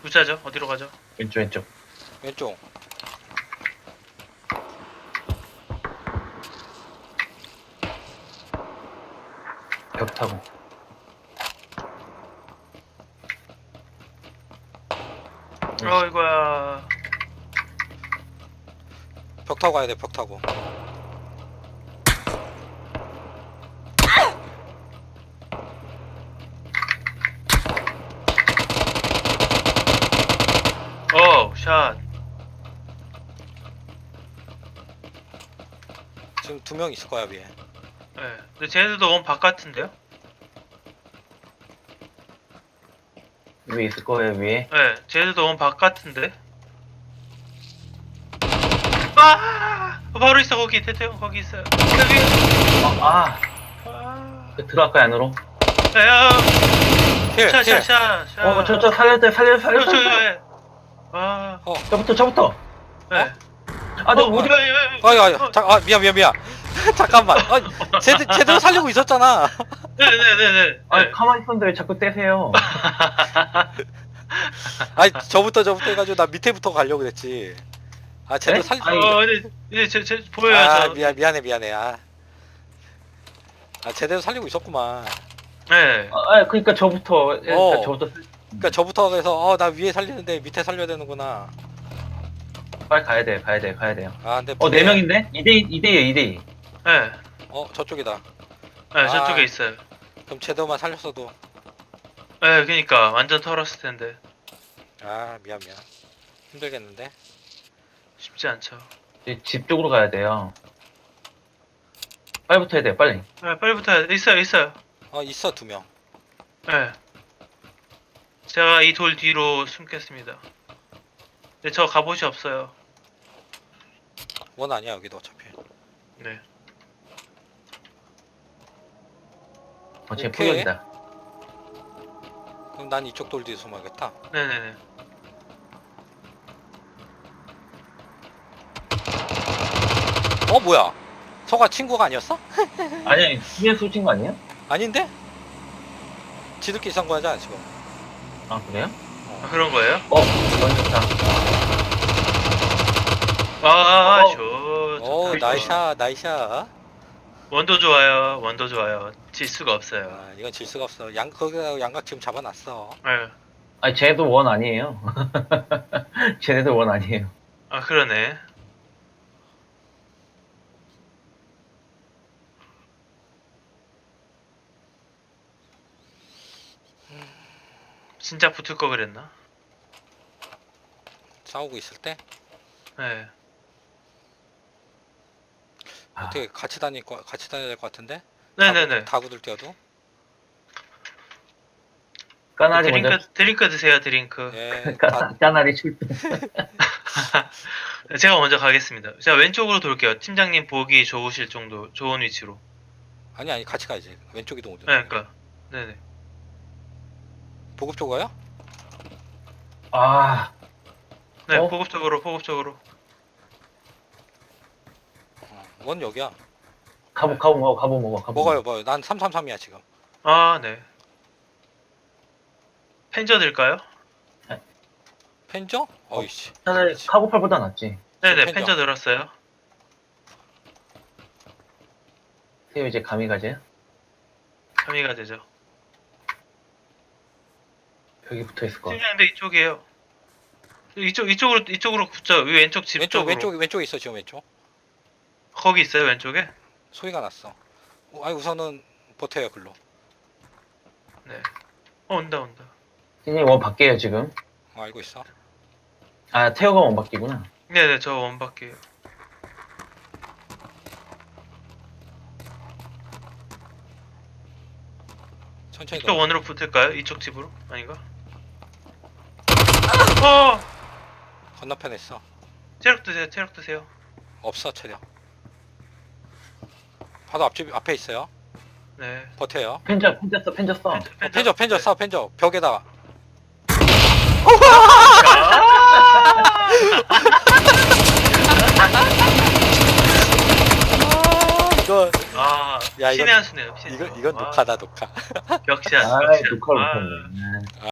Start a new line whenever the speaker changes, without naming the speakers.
부자죠? 어디로 가죠?
왼쪽 왼쪽.
왼쪽.
벽 타고.
이거야.
벽 타고 가야 돼, 벽 타고.
샷.
지금 2명 있을 거야, 위에.
네. 근데 쟤네들도 너무 바깥인데요?
위에 있을 거예요 위에.
네. 쟤네들도 너무 바깥인데? 아! 바로 있어, 거기. 대태형, 거기 있어요. 여기.
아,
아.
들어갈까요 안으로?
야,
힐,
샷,
힐.
샷, 샷, 샷.
저 살려야
저,
살려.
예. 아,
저부터.
네.
아, 저 어디?
미안. 잠깐만. 제대로 살리고 있었잖아.
네네네네.
아, 가만히 있었는데 왜 자꾸 떼세요?
저부터 해가지고 나 밑에부터 가려고 그랬지. 제대로
네?
살리.
아니,
근데 이제 제 보여요, 저.
미안해. 제대로 살리고 있었구만.
네.
그러니까 저부터.
어.
저부터
그러니까 저부터 해서 나 위에 살리는데 밑에 살려야 되는구나.
빨리 가야 돼요.
근데
4명인데? 2대2.
네.
저쪽이다.
네, 저쪽에 있어요.
그럼 제대로만 살렸어도.
네, 그니까 완전 털었을 텐데
미안. 힘들겠는데.
쉽지 않죠.
이제 집 쪽으로 가야 돼요. 빨리 붙어야 돼요, 빨리.
네, 빨리 붙어야 돼. 있어요.
있어 2명.
네. 제가 이 돌 뒤로 숨겠습니다. 근데 저 갑옷이 없어요.
원 아니야 여기도 어차피.
네.
지금
오케이.
포격이다.
그럼 난 이쪽 돌 뒤에 숨어야겠다.
네네네.
뭐야? 서가 친구가 아니었어?
아니야, 뒤에 쏘신 거 아니에요?
아닌데? 지들끼리 산 거잖아 지금.
아, 그래요?
그런 거예요?
이건 좋다.
좋다.
나이샤.
원도 좋아요. 질 수가 없어요.
이건 질 수가 없어. 거기다 양각 지금 잡아놨어.
네.
아니, 쟤네도 원 아니에요. 쟤네도 원 아니에요.
그러네. 진짜 붙을 거 그랬나?
싸우고 있을 때
네.
어떻게 같이 다녀야 될 것 같은데?
네네네.
다구들 뛰어도.
까나리 먼저.
드링크 드세요, 드링크.
예.
까나리 출동.
제가 먼저 가겠습니다. 제가 왼쪽으로 돌게요. 팀장님 보기 좋으실 정도, 좋은 위치로.
아니 같이 가야지. 왼쪽 이동 오죠.
네, 그니까. 네네.
보급 쪽 가요?
네,
어?
보급적으로.
원 여기야.
가보 먹어.
먹어요. 난 333이야 지금.
네. 펜저 들까요?
펜저? 어이씨.
차라리 카고팔보다 낫지.
네네,
펜저.
펜저 들었어요.
세요 이제 감이 가지.
감이가 되죠.
벽이 붙어 있을 거.
팀장님도 이쪽이에요. 이쪽으로 붙죠. 이 왼쪽 집 쪽으로.
왼쪽에 있어 지금 왼쪽.
거기 있어요, 왼쪽에?
소리가 났어. 우선은 버텨요 글로.
네. 온다.
선생님 원 밖에요 지금.
알고 있어.
태어가 원 밖이구나.
네네, 저 원밖에요.
천천히
이쪽
넣어.
원으로 붙을까요? 이쪽 집으로? 아닌가?
건너편에 있어.
체력 드세요.
없어 체력. 바로 앞에 있어요.
네.
버텨요.
펜저 써.
펜저 쏴 펜저 벽에다가. 이거
야,
이건-
신의 한 수네요.
이건 녹화다 녹화.
격시한.
녹화를
아.
못했네.